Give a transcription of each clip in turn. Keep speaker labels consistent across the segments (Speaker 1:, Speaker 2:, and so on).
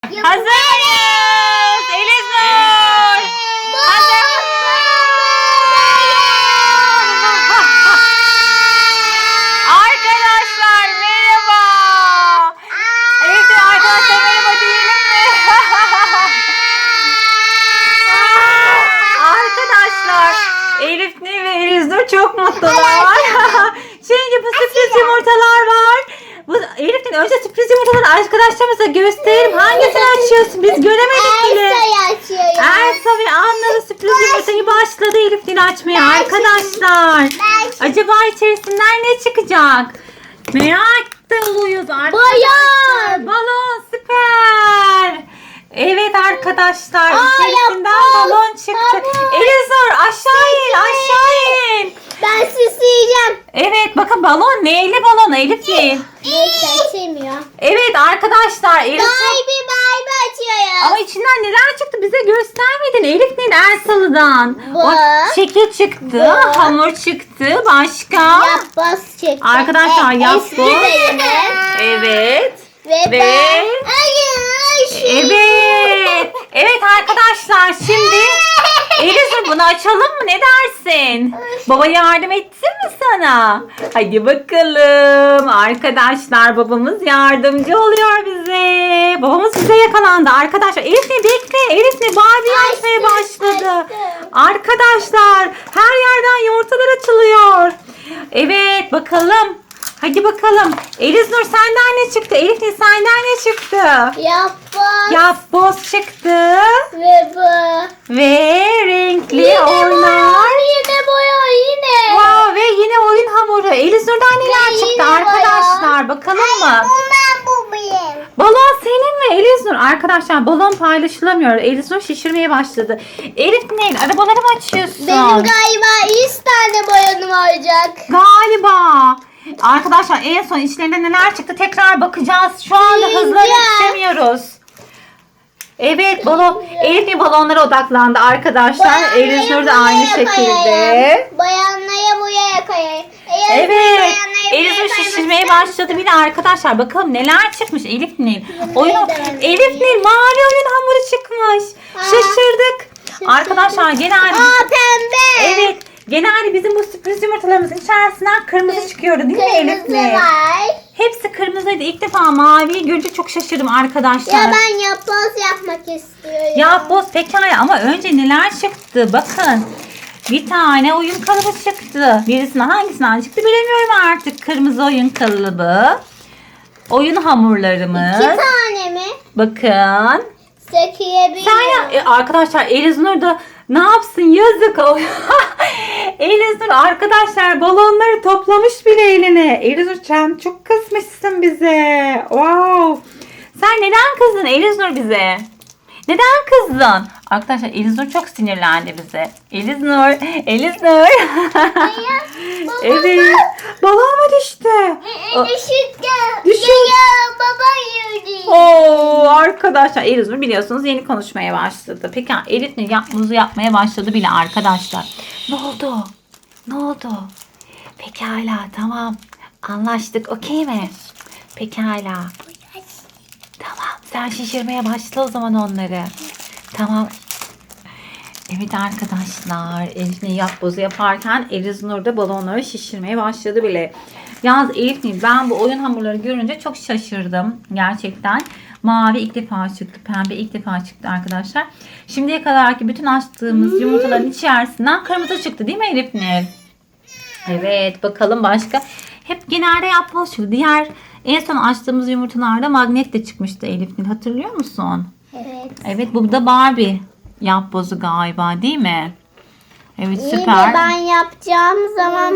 Speaker 1: Hazırız. Elinur. Hazır. Arkadaşlar merhaba. Evet arkadaşlar merhaba diyelim mi? Arkadaşlar Elif ve Elinur çok mutlular. Şimdi bu sürpriz yumurtalar var. Bu Elif'in önce sürpriz yumurtaları arkadaşlarımıza gösterelim. Hangisini açıyorsun? Biz göremedik bile.
Speaker 2: Elsa'yı açıyorum.
Speaker 1: Elsa ve Anna'nın sürpriz yumurtayı başladı Elif'in açmaya arkadaşlar. Acaba içerisinden ne çıkacak? Merak da oluyoruz arkadaşlar. Balon süper. Evet arkadaşlar içerisinden balon çıktı. Elinur aşağı in aşağı in.
Speaker 2: Ben süsleyeceğim.
Speaker 1: Evet bakın balon neyli balon Elif'in.
Speaker 2: Neyse açılmıyor.
Speaker 1: Evet arkadaşlar Elif.
Speaker 2: Barbie açıyorum.
Speaker 1: Ama içinden neler çıktı bize göstermedin Elif'in Elsalı'dan.
Speaker 2: Bu.
Speaker 1: O şekil çıktı, hamur çıktı, başka.
Speaker 2: Yapboz çıktı.
Speaker 1: Arkadaşlar yapboz.
Speaker 2: Eski bölümü.
Speaker 1: Evet.
Speaker 2: Ve
Speaker 1: Ve-
Speaker 2: ben. Hayır.
Speaker 1: Evet. Evet arkadaşlar şimdi Elif'in bunu açalım mı ne dersin? Baba yardım etsin mi sana? Hadi bakalım. Arkadaşlar babamız yardımcı oluyor bize. Babamız bize yakalandı arkadaşlar. Elif ne bekle. Elif ne Barbie açmaya başladı. Arkadaşlar her yerden yumurtalar açılıyor. Evet bakalım. Hadi bakalım. Elinur senden ne çıktı? Elif ne senden ne çıktı?
Speaker 2: Yapboz.
Speaker 1: Yapboz çıktı.
Speaker 2: Ve bu.
Speaker 1: Ve renkli
Speaker 2: Yine
Speaker 1: oynar.
Speaker 2: Yine boya yine.
Speaker 1: Wow, ve yine oyun hamuru. Elinur'dan neler
Speaker 2: Ve
Speaker 1: çıktı
Speaker 2: yine
Speaker 1: arkadaşlar? Bakalım mı?
Speaker 2: Ben bu benim.
Speaker 1: Balon senin mi Elinur? Arkadaşlar balon paylaşılamıyor. Elinur şişirmeye başladı. Elif ne? Arabaları mı açıyorsun?
Speaker 2: Benim galiba 100 tane boyanım olacak.
Speaker 1: Galiba. Arkadaşlar en son içlerinde neler çıktı tekrar bakacağız. Şu anda hızla yetişemiyoruz. Evet balon. Elif balonlara odaklandı arkadaşlar. Elinur da aynı şekilde.
Speaker 2: Bayanlara boya koyayım.
Speaker 1: Evet. Elinur şişirmeye başladı bile arkadaşlar. Bakalım neler çıkmış Elif Nil. Elif Nil mavi oyun hamuru çıkmış. Şaşırdık. Arkadaşlar genelde
Speaker 2: Pembe.
Speaker 1: evet. Genelde bizim bu sürpriz yumurtalarımızın içerisinden kırmızı çıkıyordu değil mi Elif
Speaker 2: Kırmızı
Speaker 1: Nil?
Speaker 2: var.
Speaker 1: Hepsi kırmızıydı. İlk defa maviyi görünce çok şaşırdım arkadaşlar.
Speaker 2: Ya ben yapboz yapmak istiyorum.
Speaker 1: Yapboz pekala ama önce neler çıktı bakın. Bir tane oyun kalıbı çıktı. Birisine hangisinden çıktı bilemiyorum artık. Kırmızı oyun kalıbı. Oyun hamurlarımız.
Speaker 2: 2 tane mi?
Speaker 1: Bakın.
Speaker 2: Sökebilirim.
Speaker 1: Arkadaşlar Elinur da ne yapsın yazık. Elinur arkadaşlar balonları toplamış bile eline. Elinur sen çok kızmışsın bize. Wow. Sen neden kızdın Elinur bize? Neden kızdın? Arkadaşlar Elinur çok sinirlendi bize. Elinur. Evet. Balon mu düştü? Düşün.
Speaker 2: Ya baba yürü.
Speaker 1: Oo arkadaşlar Elinur biliyorsunuz yeni konuşmaya başladı. Peki Elif ne yapmamızı yapmaya başladı bile arkadaşlar. Ne oldu? Ne oldu? Pekala tamam. Anlaştık okey mi? Pekala. Tamam sen şişirmeye başla o zaman onları. Tamam. Evet arkadaşlar Elif Nil yapbozu yaparken Elinur da balonları şişirmeye başladı bile. Yalnız Elif Nil ben bu oyun hamurları görünce çok şaşırdım. Gerçekten. Mavi ilk defa çıktı. Pembe ilk defa çıktı arkadaşlar. Şimdiye kadarki bütün açtığımız yumurtaların içerisinden kırmızı çıktı değil mi Elif Nil? Evet bakalım başka. Hep genelde yapboz çıktı. Diğer en son açtığımız yumurtalarda magnet de çıkmıştı Elif Nil. Hatırlıyor musun?
Speaker 2: Evet.
Speaker 1: Evet bu da Barbie yapbozu galiba değil mi? Evet
Speaker 2: İyi de
Speaker 1: süper.
Speaker 2: ben yapacağım zaman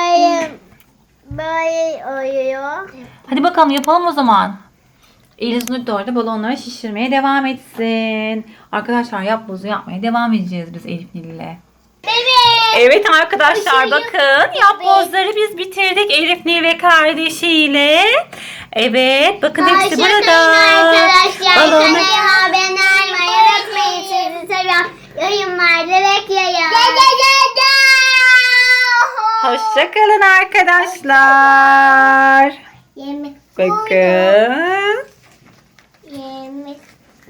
Speaker 2: böyle oluyor.
Speaker 1: Hadi bakalım yapalım o zaman. Elinur da orada balonları şişirmeye devam etsin. Arkadaşlar yapbozu yapmaya devam edeceğiz biz Elif Nil ile. Evet arkadaşlar
Speaker 2: Bir şey
Speaker 1: bakın yapbozları biz bitirdik Elif Nil ve kardeşiyle. Evet bakın hepsi burada.
Speaker 2: Arkadaşlar.
Speaker 1: Balonu-
Speaker 2: Kanalıma abone olmayı unutmayın. Sizi seviyorum. Yorumlarda bekliyorum.
Speaker 1: Hoşçakalın arkadaşlar.
Speaker 2: Yemek.
Speaker 1: Bakın.